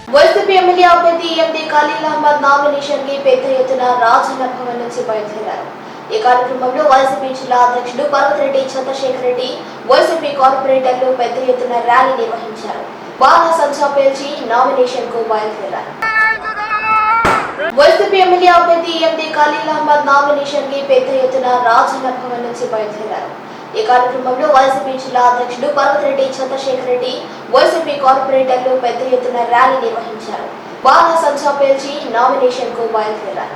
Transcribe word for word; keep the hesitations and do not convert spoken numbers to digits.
YCP MLA అభ్యర్థి ఎండి ఖలీల్ అహ్మద్ నామినేషన్ కి పెద్ద ఎత్తున రాజన్న భవన్ నుంచి బయలుదేరారు. ఈ కార్యక్రమంలో వైసీపీ జిల్లా అధ్యక్షుడు పర్వతిరెడ్డి చంద్రశేఖర్ రెడ్డి, వైసీపీ కార్పొరేటర్లు పెద్ద ఎత్తున ర్యాలీ నిర్వహించారు. బాణా సంచా పేల్చి నామినేషన్ కు బయలుదేరారు. వైసీపీ ఎమ్మెల్యే అభ్యర్థి ఎండి ఖలీల్ అహ్మద్ నామినేషన్ కి పెద్ద ఎత్తున రాజన్న భవన్ నుంచి బయలుదేరారు. ఈ కార్యక్రమంలో వైసీపీ జిల్లా అధ్యక్షుడు పర్వతిరెడ్డి చంద్రశేఖర్ రెడ్డి, వైసీపీ కార్పొరేటర్లు పెద్ద ఎత్తున ర్యాలీ నిర్వహించారు. బాణా సంచా పేల్చి నామినేషన్ కు బయలుదేరారు.